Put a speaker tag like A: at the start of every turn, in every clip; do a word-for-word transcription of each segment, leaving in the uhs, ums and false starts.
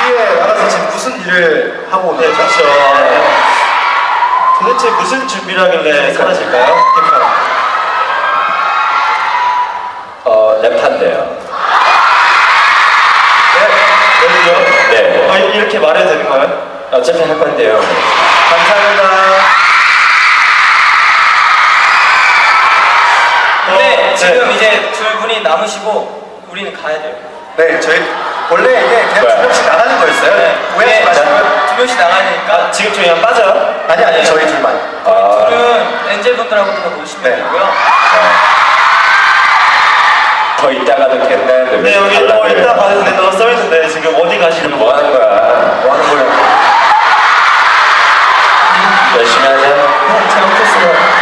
A: 여기에 나가서 지금 무슨 일을 하고 오는
B: 네,
A: 거죠?
B: 그렇죠. 도대체 무슨 준비를 하길래 사라질까요? 캠핑.
C: 어, 랩한데요.
B: 네, 여기요?
C: 네.
B: 어, 이렇게 말해도 되는가요?
C: 어차피 할 건데요.
B: 감사합니다.
D: 근데
B: 어,
D: 지금
B: 네.
D: 이제 둘 분이 남으시고 우리는 가야 돼요.
A: 네, 저희 원래 이게 그냥 두 명씩 나가는 거였어요. 오해하지
D: 네,
A: 마시고요.
D: 두 명씩 나가니까
B: 아, 지금 저희 그냥 빠져요?
A: 아니 아니 저희 둘만.
C: 아,
D: 둘은 엔젤분들하고 더 노시면
A: 네.
D: 되고요.
C: 더 있다가도 된다는데
B: 네, 여기 뭐 이따 가도 된다고 써있는데 지금 어디 가시는
C: 뭐 하는 거야?
A: 뭐 하는 거예요?
C: 열심히 하자.
D: 잘못했어요.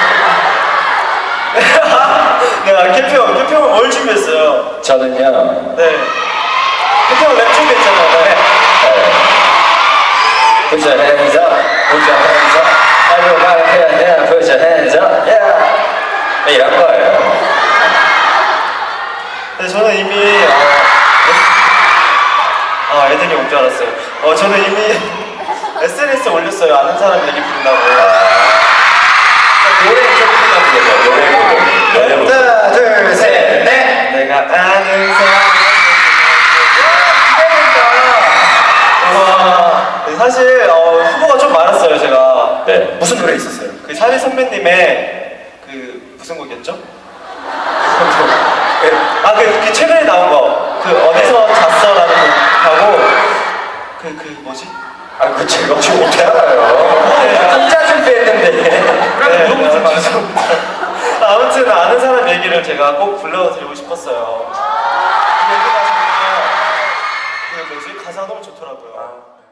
B: 네, 캠핑, 캠핑은 뭘 준비했어요?
C: 저는요.
B: 네. 캠핑은 랩 준비했잖아요. 네.
C: Put your hands up, put your hands up. Everybody put your hands, put your hands up. Yeah. 네, 이런 거예요.
B: 네, 저는 이미 어, 아 애들이 온 줄 알았어요. 어 저는 이미 에스엔에스에 올렸어요. 아는 사람 얘기 부른다고.
C: 노래 좀 부르면 되죠. 노래 부르면. 노래 부르면.
A: 하나, 둘, 셋, 넷.
B: 내가 아는 사람. 와, 네, 사실 어, 후보가 좀 많았어요. 제가
C: 네.
A: 무슨 노래 있었어요?
B: 그 샤니 선배님의 그 무슨 곡이었죠? 아그 그 최근에 나온 거. 그 어디서 잤어라는 곡하고 그 그 뭐지?
C: 아, 그 제가 지금 어떻게 알아요? 혼자 준비했는데.
B: 네, 너무 죄송합니다. 아무튼 아는 사람 얘기를 제가 꼭 불러드리고 싶었어요. 그 얘기 나중에 그 뭐지 가사 너무 좋더라고요.